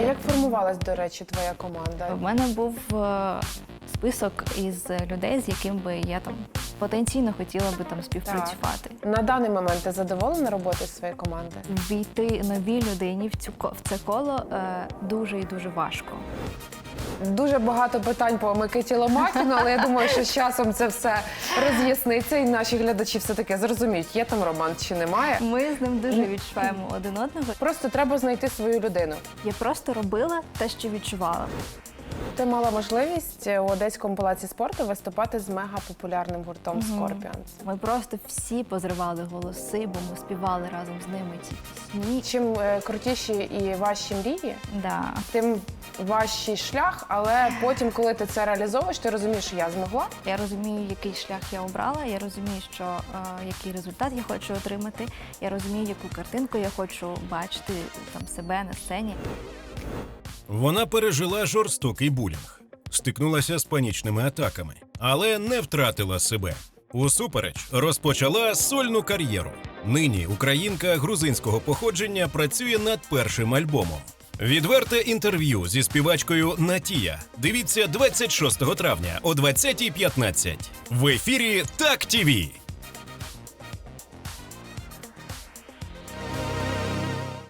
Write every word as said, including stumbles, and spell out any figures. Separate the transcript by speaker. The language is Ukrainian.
Speaker 1: як формувалась, до речі, твоя команда?
Speaker 2: В мене був е, список із людей, з яким би я там потенційно хотіла би там співпрацювати.
Speaker 1: На даний момент ти задоволена роботою своєї команди?
Speaker 2: Війти новій людині в цю ко- в це коло е, дуже і дуже важко.
Speaker 1: Дуже багато питань по Микиті Ломакіну, але я думаю, що з часом це все роз'ясниться і наші глядачі все-таки зрозуміють, є там роман чи немає.
Speaker 2: Ми з ним дуже відчуваємо один одного.
Speaker 1: Просто треба знайти свою людину.
Speaker 2: Я просто робила те, що відчувала.
Speaker 1: Ти мала можливість у Одеському палаці спорту виступати з мегапопулярним гуртом Scorpions.
Speaker 2: Ми просто всі позривали голоси, бо ми співали разом з ними ці пісні.
Speaker 1: Чим е, крутіші і важчі мрії,
Speaker 2: Да.
Speaker 1: тим важчий шлях, але потім, коли ти це реалізовуєш, ти розумієш, що я змогла.
Speaker 2: Я розумію, який шлях я обрала, я розумію, що, е, який результат я хочу отримати, я розумію, яку картинку я хочу бачити там себе на сцені.
Speaker 3: Вона пережила жорстокий булінг, стикнулася з панічними атаками, але не втратила себе. Усупереч розпочала сольну кар'єру. Нині українка грузинського походження працює над першим альбомом. Відверте інтерв'ю зі співачкою Натія. Дивіться двадцять шостого травня о двадцятій п'ятнадцять. В ефірі Так ТІВІ.